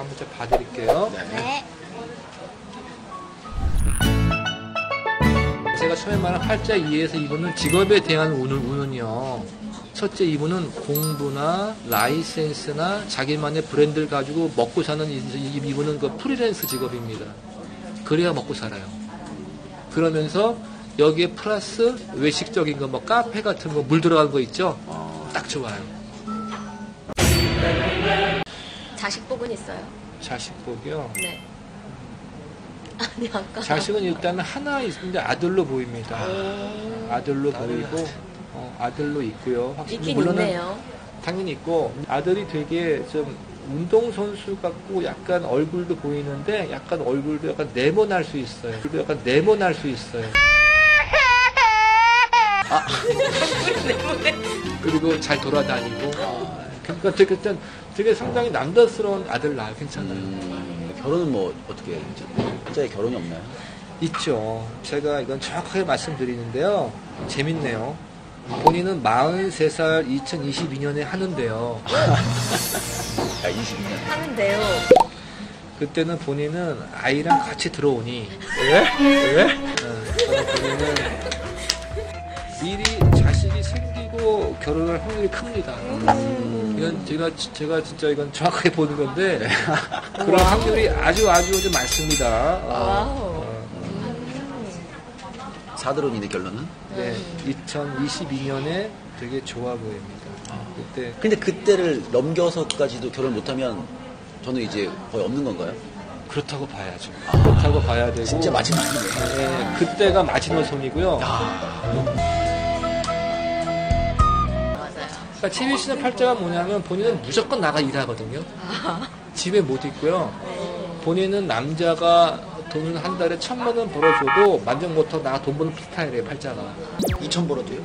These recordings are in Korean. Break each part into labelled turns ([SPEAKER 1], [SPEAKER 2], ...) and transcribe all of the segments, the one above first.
[SPEAKER 1] 한번 좀 봐드릴게요.
[SPEAKER 2] 네.
[SPEAKER 1] 제가 처음에 말한 팔자 2에서 2번은 직업에 대한 운은요. 첫째 2번은 공부나 라이센스나 자기만의 브랜드를 가지고 먹고 사는 2번은 그 프리랜서 직업입니다. 그래야 먹고 살아요. 그러면서 여기에 플러스 외식적인 거, 뭐 카페 같은 거, 물 들어간 거 있죠? 딱 좋아요.
[SPEAKER 2] 자식복은 있어요?
[SPEAKER 1] 자식복이요?
[SPEAKER 2] 네. 아니, 아까.
[SPEAKER 1] 자식은 일단 하나 있는데 아들로 보입니다. 아들로 보이고, 아들로 있고요. 확실히
[SPEAKER 2] 있긴
[SPEAKER 1] 물론은
[SPEAKER 2] 있네요.
[SPEAKER 1] 당연히 있고, 아들이 되게 좀 운동선수 같고 약간 얼굴도 보이는데 약간 얼굴도 약간 네모날 수 있어요. 약간 네모날 수 있어요. 그리고 잘 돌아다니고. 그러니까 되게 상당히 남자스러운 아들 낳아 괜찮아요.
[SPEAKER 3] 결혼은 뭐 어떻게 진짜 결혼이 없나요?
[SPEAKER 1] 있죠. 제가 이건 정확하게 말씀드리는데요. 재밌네요. 본인은 43살 2022년에 하는데요.
[SPEAKER 3] 야, 22년.
[SPEAKER 2] 하는데요.
[SPEAKER 1] 그때는 본인은 아이랑 같이 들어오니.
[SPEAKER 3] 왜?
[SPEAKER 1] 본인은 미리 자식이 생기고 결혼할 확률이 큽니다. 이건 제가 진짜 이건 정확하게 보는 건데 그런 확률이 아주 좀 많습니다.
[SPEAKER 2] 와우.
[SPEAKER 3] 사드론이네 결론은?
[SPEAKER 1] 네, 2022년에 되게 좋아 보입니다. 그때
[SPEAKER 3] 근데 그때를 넘겨서까지도 결혼 못하면 저는 이제 거의 없는 건가요?
[SPEAKER 1] 그렇다고 봐야죠. 그렇다고 봐야 되고
[SPEAKER 3] 진짜 마지막이네.
[SPEAKER 1] 네, 그때가 마지노선이고요.
[SPEAKER 2] 맞아요.
[SPEAKER 1] 그러니까 최민 씨는 팔자가 뭐냐면 본인은 무조건 나가 일하거든요. 집에 못 있고요. 본인은 남자가 돈을 한 달에 1,000만 원 벌어줘도 만족 못하고 나가 돈 버는 스타일이에요, 팔자가.
[SPEAKER 3] 2천 벌어도요?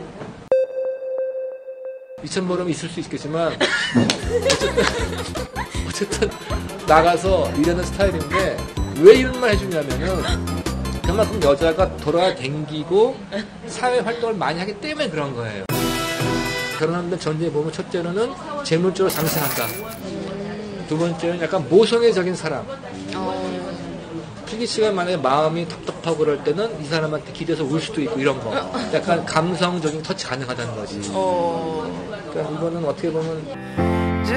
[SPEAKER 1] 2,000 벌으면 있을 수 있겠지만 어쨌든 나가서 일하는 스타일인데 왜 이런 말 해주냐면은 그만큼 여자가 돌아다니고 사회 활동을 많이 하기 때문에 그런 거예요. 결혼하는 전제에 보면 첫째로는 재물적으로 장생한다. 두 번째는 약간 모성애적인 사람. 필기 씨가 만약에 마음이 텁텁하고 그럴 때는 이 사람한테 기대서 울 수도 있고 이런 거. 약간 감성적인 터치 가능하다는 거지. 그러니까 이거는 어떻게 보면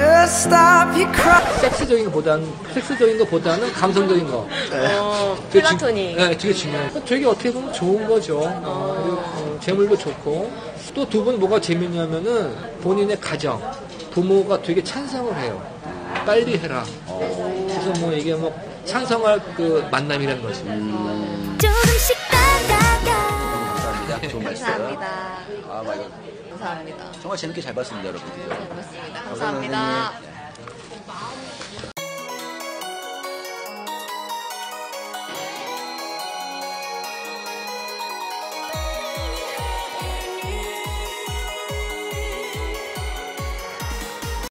[SPEAKER 1] 섹스적인 것보다는 감성적인 거.
[SPEAKER 2] 플라토닉.
[SPEAKER 1] 네, 되게 중요해요. 되게 어떻게 보면 좋은 거죠. 그리고 재물도 좋고. 또 두 분 뭐가 재밌냐면은 본인의 가정, 부모가 되게 찬성을 해요. 빨리 해라. 그래서 뭐 이게 뭐 찬성할 그 만남이라는 거지.
[SPEAKER 2] 조금씩
[SPEAKER 3] 감사합니다. 좋은 말씀.
[SPEAKER 2] 감사합니다.
[SPEAKER 3] 아, 막 이거
[SPEAKER 2] 감사합니다.
[SPEAKER 3] 정말 재밌게 잘 봤습니다, 여러분.
[SPEAKER 2] 잘 봤습니다. 감사합니다.